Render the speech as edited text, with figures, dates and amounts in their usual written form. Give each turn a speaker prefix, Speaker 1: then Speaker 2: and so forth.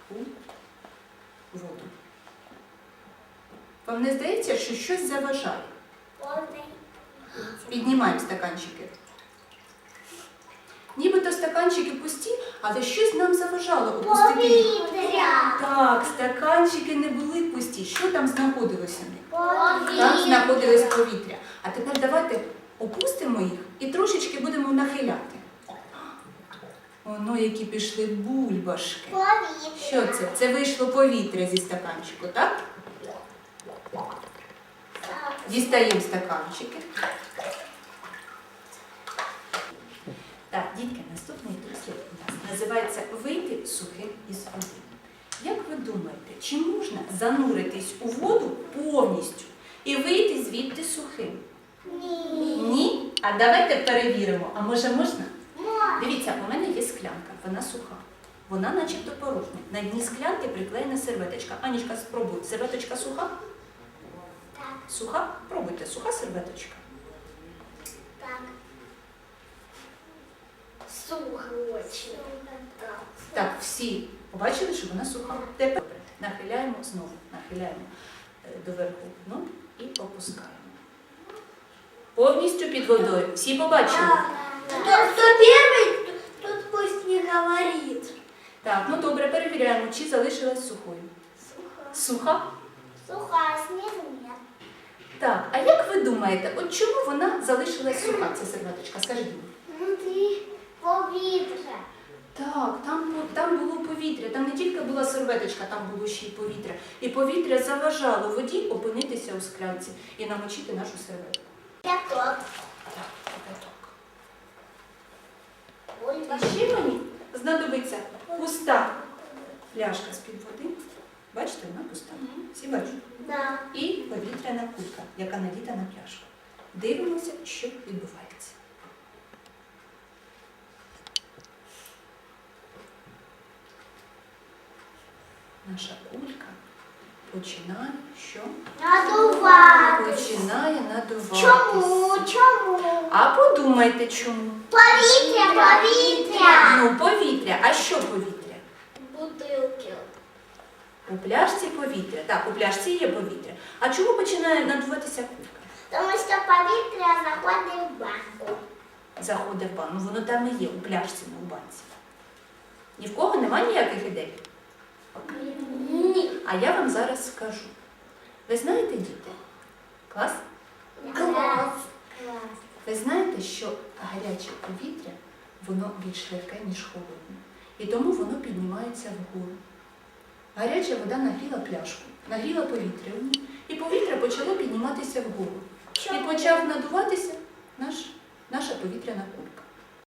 Speaker 1: у воду. Вам не здається, що щось заважає? Піднімаємо стаканчики. Нібито стаканчики пусті, але щось нам заважало опустити їх.
Speaker 2: Повітря.
Speaker 1: Так, стаканчики не були пусті. Що там знаходилося в них?
Speaker 2: Повітря.
Speaker 1: Там знаходилось повітря. А тепер давайте опустимо їх і трошечки будемо нахиляти. Воно, які пішли бульбашки.
Speaker 2: Повітря.
Speaker 1: Що це? Це вийшло повітря зі стаканчику, так? Дістаємо стаканчики. Так, дітки, наступний дослід у нас називається «Вийти сухим із води». Як ви думаєте, чи можна зануритись у воду повністю і вийти звідти сухим?
Speaker 2: Ні.
Speaker 1: Ні? А давайте перевіримо. А може можна?
Speaker 2: Можна.
Speaker 1: Дивіться, у мене є склянка, вона суха. Вона начебто порожня. На дні склянки приклеєна серветочка. Анічка, спробуй. Серветочка суха?
Speaker 2: Так.
Speaker 1: Суха? Пробуйте. Суха серветочка.
Speaker 2: Так. Сухо очень. Так.
Speaker 1: Так, всі побачили, що вона суха. Тепер нахиляємо знову. Нахиляємо доверху дно і опускаємо. Повністю під водою. Всі побачили?
Speaker 2: Кто первый, тут пусть не говорит.
Speaker 1: Так, ну добре, перевіряємо, чи залишилась сухою. Суха?
Speaker 2: Сухая, снизу нет.
Speaker 1: Так, а як ви думаєте, от чому вона залишилась суха, ця серветочка? Скажіть мені.
Speaker 2: Внутри повітря.
Speaker 1: Так, там було повітря, там не тільки була серветочка, там було ще й повітря. І повітря заважало воді опинитися у склянці і намочити нашу серветку.
Speaker 2: Пяток.
Speaker 1: Так, кипяток.
Speaker 2: Бульба.
Speaker 1: І ще мені знадобиться пуста пляшка з-під води. Бачите, вона пуста. Всі бачать?
Speaker 2: Да.
Speaker 1: І повітряна кулька, яка надіта на пляшку. Дивимося, що відбувається. Наша кулька починає що?
Speaker 2: Надуватися.
Speaker 1: Починає надуватися.
Speaker 2: Чому?
Speaker 1: А подумайте, чому?
Speaker 2: Повітря.
Speaker 1: Ну, повітря. А що повітря?
Speaker 2: Бутилки.
Speaker 1: У пляшці повітря. Так, у пляшці є повітря. А чому починає надуватися кулька?
Speaker 2: Тому що повітря заходить в банку.
Speaker 1: Заходить в банку. Ну, воно там і є, у пляшці, не у банці. Ні в кого немає ніяких ідей?
Speaker 2: Ні.
Speaker 1: А я вам зараз скажу. Ви знаєте, діти? Клас?
Speaker 2: Клас.
Speaker 1: Ви знаєте, що гаряче повітря, воно більш легке, ніж холодне. І тому воно піднімається вгору. Гаряча вода нагріла пляшку, нагріла повітря в ній, і повітря почало підніматися вгору. І почав надуватися наша повітряна кулька.